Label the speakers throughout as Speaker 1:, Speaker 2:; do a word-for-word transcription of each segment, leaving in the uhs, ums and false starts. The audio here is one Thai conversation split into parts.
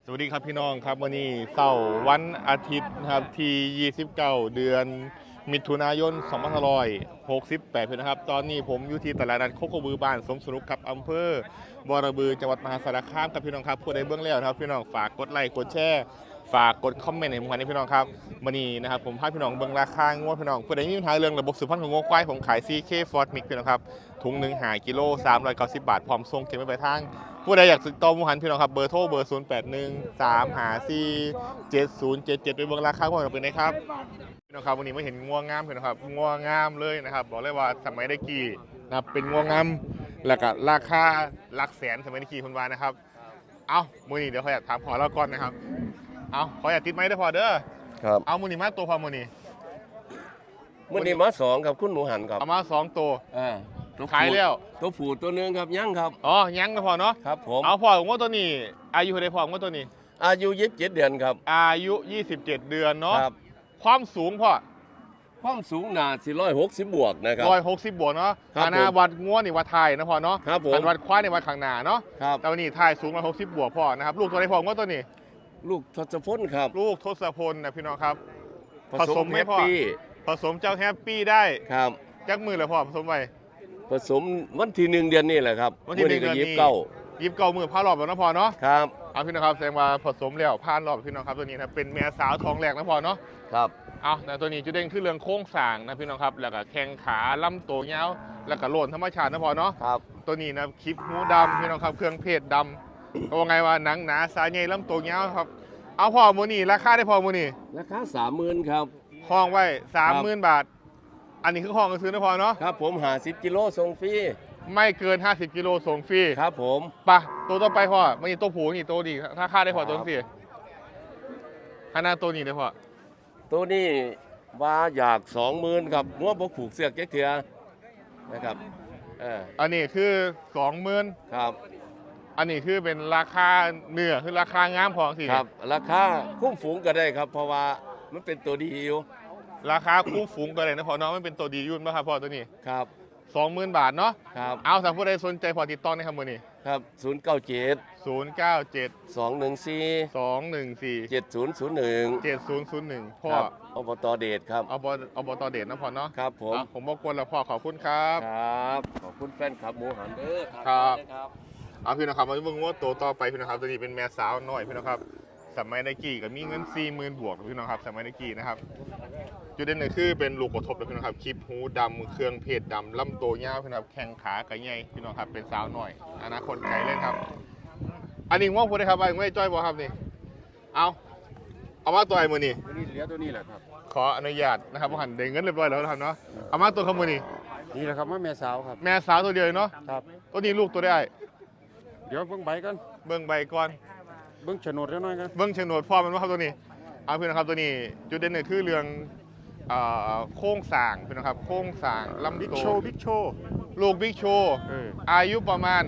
Speaker 1: วัสดีครับพี่น้องครับวันนี้เสาร์วันอาทิตย์นะครับที่ยี่สิบเก้าเดือนมิถุนายนสองพันห้าร้อยหกสิบแปดนะครับตอนนี้ผมอยู่ที่ตลาดนัดโคกบือบ้านสมสนุกครับอำเภอบอระบือจังหวัดมหาสารคามครับพี่น้องครับผู้ใดเบื้องแล้วนะครับพี่น้องฝากกดไลค์กดแชร์ฝากกดคอมเมนต์ให้ผมกันนะพี่น้องครับวันนี้นะครับผมพาพี่น้องเบื้องราคางวดพี่น้องผู้ใดมีปัญหาเรื่องระบบสืบพันธุ์ของงวควายผมขาย ซี เค Ford Mix พี่น้องครับถุงหนึ่งหากิโลสามร้อยเก้าสิบบาทพร้อมส่งเก็บไว้ปลายทางผู้ใดอยากติดต่อมูหันพี่น้องครับเบอร์โทรเบอร์ศูนย์แปดหนึ่งสามหาสี่เจ็ดศูนย์เจ็ดเจ็ดไปเบื้องราคางวดเราเป็นไงครับพี่น้องครับวันนี้ไม่เห็นงัวงามพี่น้องครับงัวงามเลยนะครับบอกเลยว่าสมัยได้กี่นะครับเป็นงัวงามแล้วก็ราคาหลักแสนสมัยได้กี่คนวานะครับเอามือนี้เดี๋ยวขออยากถามพอเราก่อนนะครับเอาขออยากติดไม้ได้พอเด้อ
Speaker 2: ครับ
Speaker 1: เอามือนี้มาตัวพอมือนี้
Speaker 2: มื่อนี้มาสองครับคุณหมูหันครับ
Speaker 1: เอามาสองตัว
Speaker 2: อ่าตัว
Speaker 1: ขายแล้ว
Speaker 2: ตัวผูตัวหนึงครับยังครับ
Speaker 1: อ๋อยังก็พอเนาะ
Speaker 2: ครับผม
Speaker 1: เอาพอของว่าตัวนี้อายุเท่าไรพอของว่าตัวนี้
Speaker 2: อายุยี่สิบเจ็ดเดือนครับ
Speaker 1: อายุยี่สิบเจ็ดเดือนเนาะ
Speaker 2: ครับ
Speaker 1: ความสูงพอ
Speaker 2: ความสูงหนาสี่ร้อยหกสิบบวกนะครับ
Speaker 1: ร้อยหกสิบบวกเนาะ
Speaker 2: ครับ
Speaker 1: อาณาวัดง้วนี่วัดไทยนะพอเนาะ
Speaker 2: ครับผม
Speaker 1: อันวัดควายในวัดข้างหน้าเนาะ
Speaker 2: ครับ
Speaker 1: แต่วันนี้ไทยสูงร้อยหกสิบบวกพอนะครับลูกตัวไรพอของว่าตัวนี้
Speaker 2: ลูกทศพลครับ
Speaker 1: ลูกทศพลนะพี่น้องครับ
Speaker 2: ผสม
Speaker 1: ไหม
Speaker 2: แฮป
Speaker 1: พ่อ
Speaker 2: ปี้
Speaker 1: ผสมเจ้าแฮปปี้ได้
Speaker 2: ครับ
Speaker 1: จักมือเลยพ่อผสมไป
Speaker 2: ผสมวันที่หนึ่งเดือนนี้แหละครับ
Speaker 1: วันที่หนึ่งเดือนนี้
Speaker 2: ยี่สิบเก้า
Speaker 1: ยิบเก่ามือผ้ารอบแล้วนะพอเนาะ
Speaker 2: ครับ
Speaker 1: เอาพี่น้องครับแสดงว่าผสมแล้วผ่านรอบพี่น้องครับตัวนี้นะเป็นแม่สาวท้องแรกนะพอเนาะ
Speaker 2: ครับ
Speaker 1: เอาแต่ตัวนี้จุดเด่นคือเรื่องโค้งสร้างนะพี่น้องครับแล้วก็แข้งขาลำตัวยาวแล้วก็โลนธรรมชาตินะพอเนาะ
Speaker 2: ครับ
Speaker 1: ตัวนี้นะคลิปหูดำพี่น้องครับเครื่องเพศดำก็ว่าไงว่าหนังหนาสายใหญ่ลำตัวยาวครับเอาพอมูนี่ราคาได้พอมูนี่
Speaker 2: ราคาสามหมื่นครับ
Speaker 1: ห้องไว้สามหมื่นบาท อันนี้คือห้องก็ซื้อนะพอเนาะ
Speaker 2: ครับผมหาสิบกิโลส่งฟรี
Speaker 1: ไม่เกินห้าสิบกิโลส่งฟรี
Speaker 2: ครับผม
Speaker 1: ปะตัวต่อไปพอมันนี่ตัวผูนี่ตัวดีถ้าค่าได้พอตัวนี้ขนาดตัวนี้ได้พอ
Speaker 2: ตัวนี้ว่าอยากสองหมื่นครับงัวบกผูกเสือกแก๊กเถือนะครับเออ
Speaker 1: อันนี้คือสองหมื่น
Speaker 2: ครับ
Speaker 1: อันนี้คือเป็นราคาเนื้อคือราคางามพอสิ
Speaker 2: ครับราคาคุ้มฝูงก็ได้ครับ เพราะว่ามันเป็นตัวดีอยู่
Speaker 1: ราคาคู่ฝูงตัวเลยนะพอเนาะมันเป็นตัวดียุ่นป่ะครับพอตัวนี้
Speaker 2: ครับ
Speaker 1: สองหมื่นบาทเนาะ
Speaker 2: ครับ
Speaker 1: เอาถ้าผู้ใดสนใจพอติดต่อในคำมือนี้
Speaker 2: ครับศูนย์เก้าเจ็ด
Speaker 1: ศูนย์เก้าเจ็ด
Speaker 2: สองหนึ่งสี่
Speaker 1: สองหนึ่งสี่
Speaker 2: เจ็ดศูนย์ศูนย์หนึ่ง
Speaker 1: เจ็ดศูนย์ศูนย์หนึ่งพ่อ
Speaker 2: ครับอบตเดชครับ
Speaker 1: เอาบอบตเดชนะพอเนาะ
Speaker 2: ครับผม
Speaker 1: อ่ะผมบอกวนแล้วพ่อขอบคุณครับ
Speaker 2: ครับขอบคุณแฟนครับหมูหันเด้อ
Speaker 1: ครับ
Speaker 2: ครับ
Speaker 1: เอาพี่นะครับมาเบิ่งว่าตัวต่อไปพี่นะครับตัวนี้เป็นแม่สาวน้อยพี่นะครับสมัยในกี่ก็มีเงินสี่หมื่นบวกพี่น้องครับสมัยในกี่นะครับจุดเด่นเลยคือเป็นลูกกระทบเลยพี่น้องครับคลิปหูดำเครื่องเพศดำลำตัวยาวพี่น้องครับแข้งขากระใหญ่พี่น้องครับเป็นสาวน้อยอนาคตไกลเลยครับอันนี้ว่าพูดได้ครับว่าไม่จ้อยบอครับนี่เอาเอามาตัวไอ้มือนี่
Speaker 3: ตัวนี้เหลือตัวนี้แหละครับ
Speaker 1: ขออนุญาตนะครับว่าหันเด้งเงินเรียบร้อยแล้วนะครับเนาะเอามาตัวขมือนี่
Speaker 3: นี่แหละครับแม่แม่สาวครับ
Speaker 1: แม่สาวตัวเดียวเนาะ
Speaker 3: ครับ
Speaker 1: ตัวนี้ลูกตัวได้
Speaker 3: เดี๋ยวเบิ่งใบกัน
Speaker 1: เบิ่งใบก่อน
Speaker 3: เบิ่งโฉนดเล็กน้อยกัน
Speaker 1: เบิ้งโฉนดพ่อมันว่าครับตัวนี้เอาเพื่อนนะครับตัวนี้จุดเด่นเนี่ยคือเรื่องเอ่อโค้งสร้างเพื่อนนะครับโค้งสร้างลำ
Speaker 3: บิ๊ก
Speaker 1: โต
Speaker 3: โชว์บิ๊กโชว์
Speaker 1: ลูกบิ๊กโชว์
Speaker 3: เออ
Speaker 1: อายุประมาณ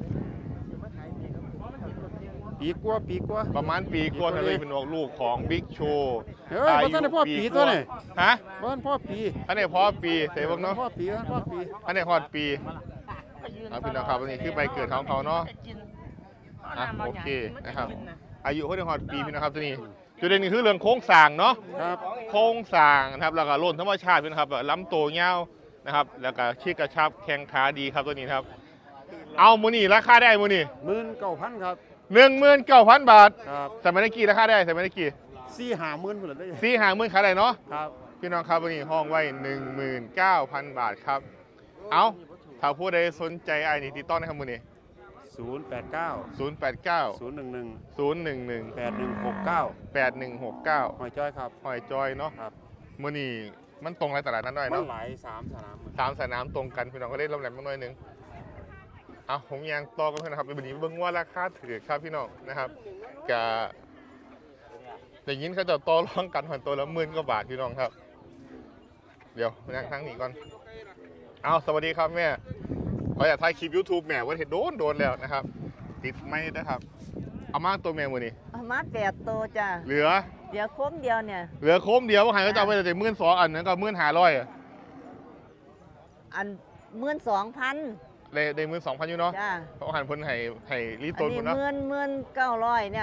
Speaker 3: ปีกว่าปีกว่า
Speaker 1: ประมาณปีกว่าทะเลเป็นออกลูกของบิ๊กโชว์
Speaker 3: เฮ้ยบ่ทันได้พ่อปีตัวนี่
Speaker 1: ฮะ
Speaker 3: บ้านพ่อปี
Speaker 1: อันนี้พอปีเสยเบ้างเนาะ
Speaker 3: พ่อปีพ่อปี
Speaker 1: อันนี้ฮอดปีเอาพี่น้องครับอันนี้คือใบเกิดของเขาเนาะอ่ะโอเคนะครับอายุเขาได้ฮอดปีพี่น้องครับตัวนี้จุดเด่นนี่คือเรื่องโค้งสร้างเนาะ
Speaker 3: ครับ
Speaker 1: โค้งสร้างนะครับแล้วก็โล่นธรรมชาตินะครับลำโตเงาวนะครับแล้วก็ชี้กระชับแข้งขาดีครับตัวนี้ครับเอามูนี่ราคาได้มูนี่
Speaker 3: หมื่นเก้าพันครับ
Speaker 1: หนึ่งหมื่นเก้าพันบาท
Speaker 3: ครับ
Speaker 1: สมัยนี้กี่ราคาได้สมัยนี้กี่
Speaker 3: สี่ห้าหมื่นพุ่นละได้
Speaker 1: สี่หางหมื่นขายได้เนาะ
Speaker 3: ครับ
Speaker 1: พี่น้องครับวันนี้ห้องไว้หนึ่งหมื่นเก้าพันบาทครับเอาถ้าผู้ใดสนใจไอ้นี่ติดต่อในคำมือนี่
Speaker 3: ศูนย์แปดเก้า
Speaker 1: ศูนย์แปดเก้า
Speaker 3: ศูนย์หนึ่งหนึ่ง
Speaker 1: ศูนย์หนึ่งหนึ่ง
Speaker 3: แปดหนึ่งหกเก้า
Speaker 1: แปดหนึ่งหกเก้า
Speaker 3: หอยจ้อยครับ
Speaker 1: หอยจอยเนาะ
Speaker 3: ครับ
Speaker 1: มือนี่มันตรงไรตลาดนั้นหน่อย
Speaker 3: มั
Speaker 1: เนาะ
Speaker 3: นหลายสามสนาม
Speaker 1: สามสนามตรงกันพี่น้องก็เล่นลำแหลมมาหน่อยหนึงเอาผมยังต่อกันเพื่อนนะครับวันนี้เบิ่งว่าราคาถือครับพี่น้องนะครับกะอย่างนี้เขาจะต่อรองกันหันตัวละหมื่นกว่าบาทพี่น้องครับ เดี๋ยวนั่งทั้งนี้ก่อนเอาสวัสดีครับแม่ขออยากถ่ายคลิป YouTube แม่ว่าเห็นโดนโดนแล้วนะครับ ติดไม่นะครับ เอามาตัวแม่มือนี่
Speaker 4: เอามาแปดโตวจ้ะ
Speaker 1: เหลือ
Speaker 4: เดี๋ยวโค้มเดียวเนี่ย
Speaker 1: เหลือโค้มเดียวว่าหายก็จะเอาไปแต่หมื่นสองอันนั้นก็หมื่นห้าร้อย
Speaker 4: อันหมื่นสองพัน
Speaker 1: เลยได้หมื่นสองพันอยู่เนาะ
Speaker 4: จ้ะ
Speaker 1: เพราะหันเพิ่นให้ให้รี
Speaker 4: อั
Speaker 1: ต้
Speaker 4: น
Speaker 1: น
Speaker 4: นี้
Speaker 1: พุ่นเนาะ
Speaker 4: หมื่นหมื่นเก้าร้อยเนี่ย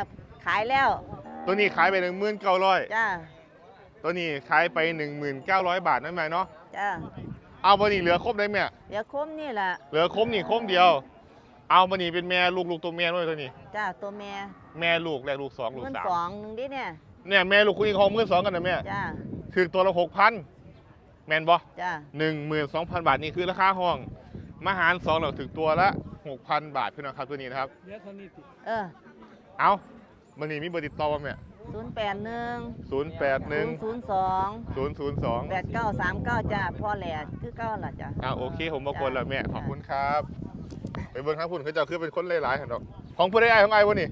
Speaker 4: ขายแล้ว
Speaker 1: ตัวนี้ขายไปหนึ่งหมื่นเก้าร้อย
Speaker 4: จ้า
Speaker 1: ตัวนี้ขายไปหนึ่งหมื่นเก้าร้อยบาทนั่นไหมเนาะ
Speaker 4: จ้า
Speaker 1: เอาบันนี้เหลือครบได้ไหม
Speaker 4: เดี๋ยวคมนี่แหละ
Speaker 1: เหลือครบนี่ครบเดียว เอาบันนี้เป็นแม่ลูกลูกตัวแม่ด้วยตัวนี้
Speaker 4: จ้าตัวแม่
Speaker 1: แม่ลูกแรกลูกสองลูก
Speaker 4: เงิน
Speaker 1: สาม
Speaker 4: สองหนึ่งดิเนี่ย
Speaker 1: เนี่ยแม่ลูกคุณอีกของมื่นสองกันนะแม่
Speaker 4: จ้า
Speaker 1: คือตัวละหกพันแมนบอ
Speaker 4: จ้า
Speaker 1: หนึ่งหมื่นสองพันบาทนี่คือราคาห้องมาหารสองเราถึงตัวละหกพันบาทพี่น้องครับตัวนี้นะครับ
Speaker 4: เออ
Speaker 1: เอาบันนี้มีเบอร์ติดต่อป่ะแม่
Speaker 4: ศูนย์แปดหนึ่ง
Speaker 1: ศูนย์แปดหนึ่ง
Speaker 4: ศูนย์สอง
Speaker 1: ศูนย์ศูนย์สอง
Speaker 4: แปดเก้าสามเก้าจ้าพ่อแหล่คือเก้าล่ะจ้า
Speaker 1: อ่าโอเคผมมาคนแล้วแม่ขอบคุณครับไปเบิ้งครับคุณเขาจะคือเป็นคนหลายๆครับดอกของผู้ใดไอ้ของไอ้วะนี่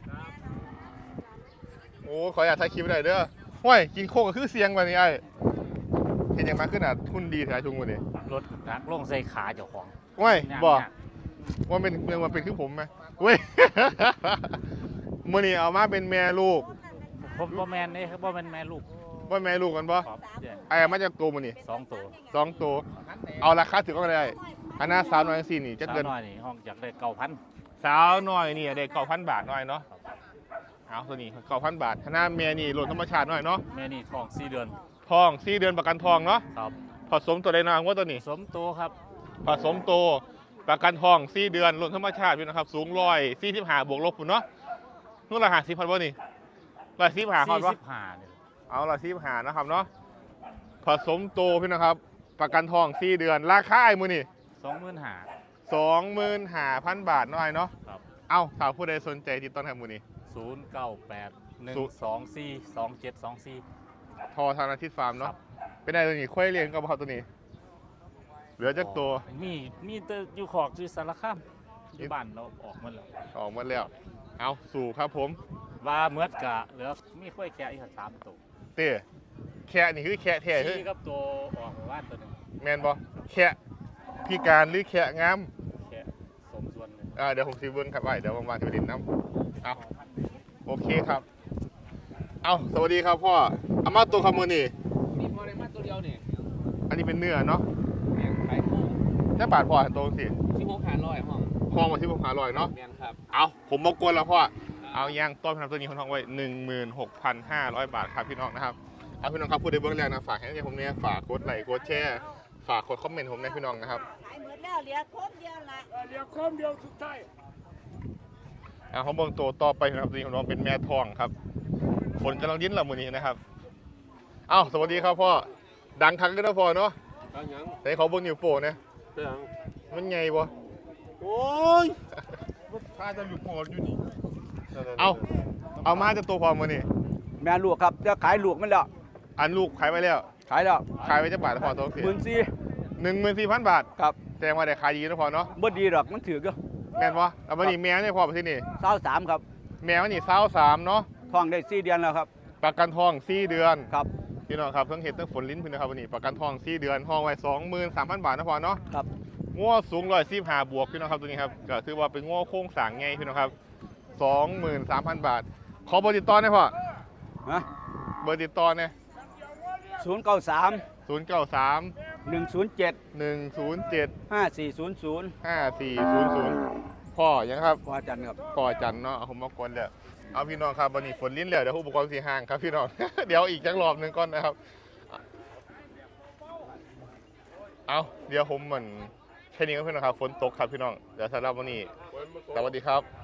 Speaker 1: โอ้ขออยากถ่ายคลิปหน่อยเด้อห้วยกินโคกก็คือเสียงวันนี้ไอ้เห็นยังมาขึ้นอ่ะทุนดีแท้ชุงวันนี้
Speaker 5: รถนักลงใส่ขาเจ้าของ
Speaker 1: ห้วย
Speaker 5: ย่าง
Speaker 1: บอก
Speaker 5: ยาก
Speaker 1: ว่าเป็นเมืองมันเป็นคือผมไหมเว้ย มื่อนี้เอามาเป็นแม่ลูก
Speaker 5: ผมบ่แมนนี่ครับบ่แมนแม่ลูก
Speaker 1: ว่าแม่ลูกกันปะ
Speaker 5: ครับเดี๋ยว
Speaker 1: ไอ้เอามาจากตัวมันนี่
Speaker 5: สองตัว
Speaker 1: สองตัวเอาราคาถึงก็ได้อันน่าสาวน้อยสี่นี่จะ
Speaker 5: สาว
Speaker 1: เกิน
Speaker 5: น้อยนี่ห้องอยากได้เก้าพัน
Speaker 1: สาวน้อยนี่ได้เก้าพันบาทหน่อยเนาะเอาตัวนี้เก้าพันบาทคณะแม่นี่หล่นธรรมชาติหน่อยเนาะ
Speaker 5: แม่นี่ท้องสี่เดือน
Speaker 1: ทองสี่เดือนประกันทองเนาะ
Speaker 5: ครับ
Speaker 1: ผสมตัวใดนางว่าตัวนี้
Speaker 5: สมตัวครับ
Speaker 1: ผสมตัวประกันทองสี่เดือนหล่นธรรมชาติพี่นะครับ สูงร้อยสี่สิบห้าบวกลบปุ่นเนาะนู่นละหาสิบพันบ่นี่ร้อยสี่สิบห้าพัน
Speaker 5: สี่
Speaker 1: วะ
Speaker 5: สิบห้าเนี่ย
Speaker 1: เอาร้อยสี่สิบห้านะครับเนาะผสมตัวพี่นะครับ ประกันทองสี่เดือนราคาไอ้มือนี่
Speaker 5: สองหมื่นห้า
Speaker 1: สองหมื่นห้าพันบาทหน่อยเนาะ
Speaker 5: ครับ
Speaker 1: เอาถ้าผู้ใดสนใจติดต่อทางมือนี่
Speaker 5: ศูนย์เก้าแปดหนึ่ง
Speaker 1: ศูนย์
Speaker 5: สองสี่สองเจ็ดสองสี่
Speaker 1: ทอทางอาทิตย์ฟาร์ม
Speaker 5: ค
Speaker 1: เนาะ
Speaker 5: รับ
Speaker 1: เป็นไงตัวนี้ค่อยเลี้ยงกับเขาตัวนี้ เหลือจักตัว
Speaker 5: มีมีแต่อยู่ขอกอยู่สารคามอยู่บ้านเราออกหมันแล้ว
Speaker 1: ออกมาแล้ว เอาสู่ครับผม
Speaker 5: ว่าเมื่อกะเหลือมีค่อยแกะอีกสามตัว
Speaker 1: เต้แค่นี่คือแค่แท้เฮ้ย
Speaker 5: สี่กับตัวออกมาบ้านตัวหนึง
Speaker 1: แมนบอแค่พิการหรือแค่งาม
Speaker 5: แกะสมส่วนเลย
Speaker 1: อ่าเดี๋ยวผมซีเบิ้งครับไว้เดี๋ยวว่างๆจะไปดินน้ำเอาโอเคครับ เอาสวัสดีครับพ่ออามาตัวคำมือนี่
Speaker 6: มีพอได้มาตัวเดียวเนี่ย
Speaker 1: อันนี้เป็นเนื้อเนาะ
Speaker 6: แมงขายคู่
Speaker 1: แค่บาทพ่อตัวสิ
Speaker 6: ที่พกหาร้อยห้อง
Speaker 1: ห้องมาที่ผมหาลอยเนาะ
Speaker 6: แมนครับ
Speaker 1: เอาผมมากวนแล้วพ่อ เอาย่างต้นพนันตัวนี้คนท้องไว้หนึ่งหมื่นหกพันห้าร้อยบาทครับพี่น้องนะครับ เอาพี่น้องครับพูดในเบื้องแรกนะฝากให้ผมเนี่ยฝากกดไลค์กดแชร์ฝากกดคอมเมนต์ผมนะพี่น้องนะครับ
Speaker 4: ขายหมดแล้วเหลือคมเดียวละ
Speaker 1: เอาเขาเบิ่งตัวต่อไปนะครับตัวนี้ของน้องเป็นแม่ทองครับฝนกำลังดิ้นละมือนี้นะครับ เอ้าสวัสดีครับพ่อดังคักเลยนะพ่อเนาะ
Speaker 2: เอาหยัง
Speaker 1: ไหนเขาเบิ่งนิ้วโป้นะ
Speaker 2: เอาหยัง
Speaker 1: มันไงบ่
Speaker 2: โอ้ย
Speaker 1: ถ้าจะอยู่พออยู่นี่เอาเอามาจะตัวพอมือนี่
Speaker 7: แม่ลูกครับจะขายลูกมันแล้ว
Speaker 1: อันลูกขายไปแล้ว
Speaker 7: ขายแล้ว
Speaker 1: ขายไปจะบาทพอตัวเสีย
Speaker 7: หมื่นสี่
Speaker 1: หนึ่งหมื่นสี่พันบาท
Speaker 7: ครับ
Speaker 1: แสดงว่าได้ขายดีนะพอเนาะ
Speaker 7: บ่ดีหรอกมันถือก็
Speaker 1: แม่นวะเอาบันนี้แมวเนี่ยพอไปที่นี่
Speaker 7: เศร้าสามครับ
Speaker 1: แมวนี่เศร้าสามเนาะ
Speaker 7: ท้องได้สี่เดือนแล้วครับ
Speaker 1: ประกันทองสี่เดือน
Speaker 7: ครับ
Speaker 1: พี่น้องครับทั้งเห็ดทั้งฝนลิ้นพี่นะครับวันนี้ประกันทองสี่เดือนห้องไว้สองหมื่นสามพันบาทนะพอเนาะ
Speaker 7: ครับ
Speaker 1: ง้อสูงร้อยสี่ห้าบวกพี่น้องครับตัวนี้ครับก็ถือว่าเป็นง้อโค้งสร้างไงพี่น้องครับสองหมื่นสามพันบาท ขอเบอร์ติดต่อหน่อยพ่อ
Speaker 7: ฮะ
Speaker 1: เบอร์ติดต่อเนี่ย
Speaker 7: ศูนย์เก้าสาม
Speaker 1: ศูนย์เก้าสาม
Speaker 7: หนึ่งศูนย์เจ็ด
Speaker 1: หนึ่งศูนย์เจ็ด
Speaker 7: ห้าสี่ศูนย์ศูนย์
Speaker 1: ห้าสี่ศูนย์ศูนย์พ่อยังครับ
Speaker 7: พอจันทร์ครับ
Speaker 1: พ่อจันเนาะเอาผมมากวนเลยเอาพี่น้องครับวันนี้ฝนลิ้นแล้วเดี๋ยวอุปกรณ์สีห่างครับพี่น้อง เดี๋ยวอีกจักรอบหนึ่งก่อนนะครับเอาเดี๋ยวผมเหมือนแค่นี้ก็พี่น้องครับฝนตกครับพี่น้องเดี๋ยวสำหรับวันนี้สวัสดีครับ